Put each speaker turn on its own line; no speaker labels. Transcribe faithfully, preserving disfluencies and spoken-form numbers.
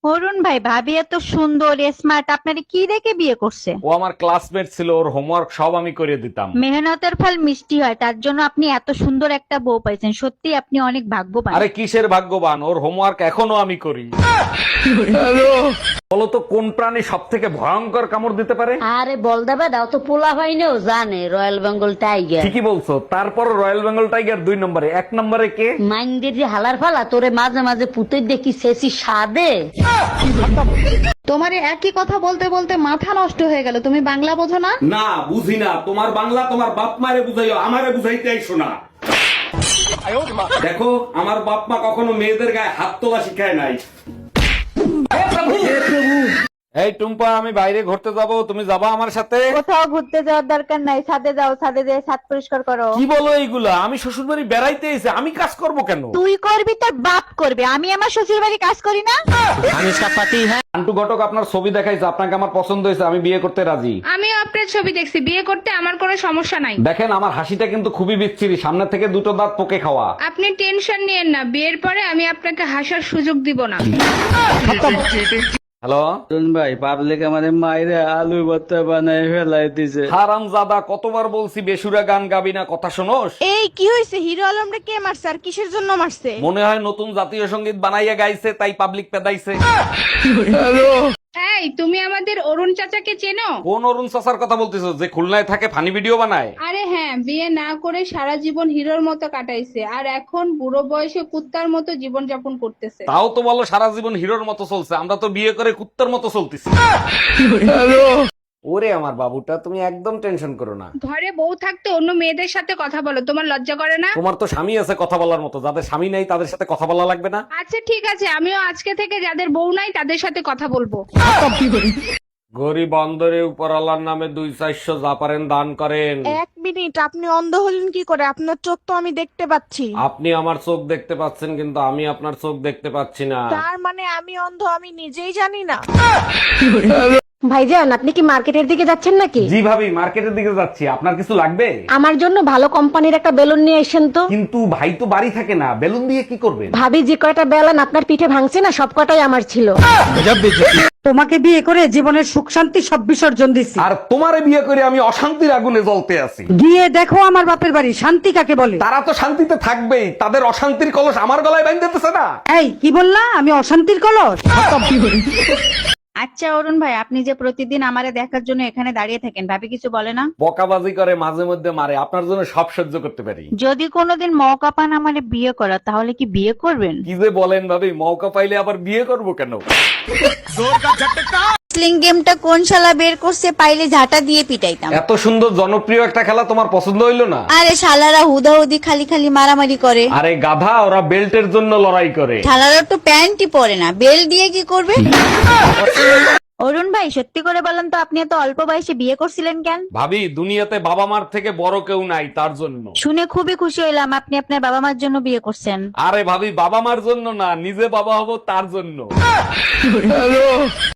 অরুণ ভাই, ভাবি এত সুন্দর স্মার্ট, আপনারে কি দেখে বিয়ে করছে?
ও আমার ক্লাসমেট ছিল, ওর হোমওয়ার্ক সব আমি করে দিতাম।
মেহনতের ফল মিষ্টি হয়, তার জন্য আপনি এত সুন্দর একটা বউ পাইছেন। সত্যি আপনি অনেক ভাগ্যবান।
আরে কিসের ভাগ্যবান, ওর হোমওয়ার্ক এখনো আমি করি। বলো তো কোন প্রাণী সব থেকে ভয়ঙ্কর কামড় দিতে পারে?
আরে বল দেবে দাও তো, পোলা ভাইনেও জানে রয়্যাল বেঙ্গল টাইগার।
ঠিকই বলছো, তারপর রয়্যাল বেঙ্গল টাইগার দুই নম্বরে, এক নম্বরে কে?
মাইন্ডের যে হালার ফালা তোরে মাঝে মাঝে পুতে দেখি শেষি সাদে।
তোমারে একই কথা বলতে বলতে মাথা নষ্ট হয়ে গেল, তুমি বাংলা বোঝো না?
না বুঝি না, তোমার বাংলা তোমার বাপ মারে বুঝাইও, আমারে বুঝাইতে আইসো না। দেখো, আমার বাপ মা কখনো মেয়েদের গায়ে হাত তোলা শিখায় নাই। এই টুম্পা, আমি বাইরে ঘুরতে যাব, তুমি যাবা আমার সাথে?
কোথাও ঘুরতে যাওয়ার দরকার নাই, ছাদে যাও, ছাদে যেয়ে ছাদ পরিষ্কার করো।
কি বলো এইগুলা? আমি শ্বশুর বাড়ি বেড়াইতে এসে আমি কাজ করব কেন?
তুই করবি, তোর বাপ করবে, আমি আমার শ্বশুর বাড়ি কাজ করি না?
আন্টু ঘটক আপনার ছবি দেখাইছে, আপনাকে আমার পছন্দ হয়েছে, আমি বিয়ে করতে রাজি।
আমিও আপনার ছবি দেখছি, বিয়ে করতে আমার কোনো সমস্যা নাই।
দেখেন আমার হাসিটা কিন্তু খুবই বিচ্ছিরি, সামনে থেকে দুটো দাঁত পোকে খাওয়া।
আপনি টেনশন নিয়েন না, বিয়ের পরে আমি আপনাকে হাসার সুযোগ দিব না।
হ্যালো,
অরুণ ভাই, পাবলিক আমাদের মাইরে আলু ভর্তা বানায় ফেলাই দিছে।
হারামজাদা, কতবার বলছি বেসুরা গান গাবি না, কথা শোনোস?
এই কি হয়েছে? হিরো আলমরে কে মারছে আর কিসের জন্য মারছে?
মনে হয় নতুন জাতীয় সঙ্গীত বানাইয়া গাইছে, তাই পাবলিক পেদাইছে।
এই তুমি আমাদের অরুণ চাচাকে চেনো?
কোন অরুণ চাচার কথা বলতেছো, যে খুলনায় থাকে ফানি ভিডিও বানায়?
আরে হ্যাঁ, বিয়ে না করে সারা জীবন হিরোর মতো কাটাইছে, আর এখন বুড়ো বয়সে কুত্তার মতো জীবন যাপন করতেছে।
তাও তো বলো সারা জীবন হিরোর মতো চলছে, আমরা তো বিয়ে করে কুত্তার মতো চলতেছি। ওরে আমার বাবুটা, তুমি একদম টেনশন করো না।
ঘরে বউ থাকতে অন্য মেয়েদের সাথে কথা বলো, তোমার লজ্জা করে না?
তোমার তো স্বামী আছে কথা বলার মতো, যাদের স্বামী নাই তাদের সাথে কথা বলা লাগবে না?
আচ্ছা ঠিক আছে, আমিও আজকে থেকে যাদের বউ নাই তাদের সাথে কথা বলবো।
গরিব অন্দরে উপরওয়ালার নামে দুই চারশো যা পারেন দান করেন।
এক মিনিট, আপনি অন্ধ হলেন কি করে? আপনার চোখ তো আমি দেখতে পাচ্ছি।
আপনি আমার চোখ দেখতে পাচ্ছেন, কিন্তু আমি আপনার চোখ দেখতে পাচ্ছি না।
তার মানে আমি অন্ধ, আমি নিজেই জানি না।
ভাইজান, আপনি কি মার্কেটের দিকে যাচ্ছেন নাকি?
জি ভাবি, মার্কেটের দিকে যাচ্ছি, আপনার কিছু লাগবে?
আমার জন্য ভালো কোম্পানির একটা বেলুন নিয়ে এসেন তো।
কিন্তু ভাই তো বাড়ি থাকে না, বেলুন দিয়ে কি করবেন?
ভাবি যে কয়টা বেলুন আপনার পিঠে ভাঙছে না, সব কটাই আমার ছিল।
তোমাকে বিয়ে করে জীবনের সুখ শান্তি সব বিসর্জন দিছি।
আর তোমারে বিয়ে করে আমি অশান্তির আগুনে জ্বলতে আছি।
গিয়ে দেখো আমার বাপের বাড়ি শান্তি কাকে বলে।
তারা তো শান্তিতে থাকবেই, তাদের অশান্তির কলস আমার গলায় বাঁধতেছে না।
এই কি বললা? আমি অশান্তির কলস?
আচ্ছা অরুণ ভাই, আপনি যে প্রতিদিন আমারে দেখার জন্য এখানে দাঁড়িয়ে থাকেন, ভাবি কিছু বলে না?
বকাবাজি করে, মাঝে মধ্যে মারে, আপনার জন্য সব সহ্য করতে পারি।
যদি কোনোদিন মৌকা পান আমারে বিয়ে করা, তাহলে কি বিয়ে করবেন?
কি যে বলেন ভাবি, মৌকা পাইলে আবার বিয়ে করব কেন?
স্লিং গেমটা কোন শালা বের করছে, পাইলে ঝাঁটা দিয়ে পিটাইতাম।
এত সুন্দর জনপ্রিয় একটা খেলা তোমার পছন্দ হইলো না?
আরে শালারা হুদাহুদি খালি খালি মারামারি করে।
আরে গাধা, ওরা বেল্টের জন্য লড়াই করে।
শালারা তো প্যান্টই পরে না, বেল দিয়ে কি করবে? অরুণ ভাই, সত্যি করে বলেন তো, আপনি এত অল্প বয়সে বিয়ে করছিলেন কেন?
ভাবি, দুনিয়াতে বাবা মার থেকে বড় কেউ নাই, তার জন্য।
শুনে খুবই খুশি হইলাম, আপনি আপনার বাবা মার জন্য বিয়ে করছেন।
আরে ভাবি, বাবা মার জন্য না, নিজে বাবা হব তার জন্য।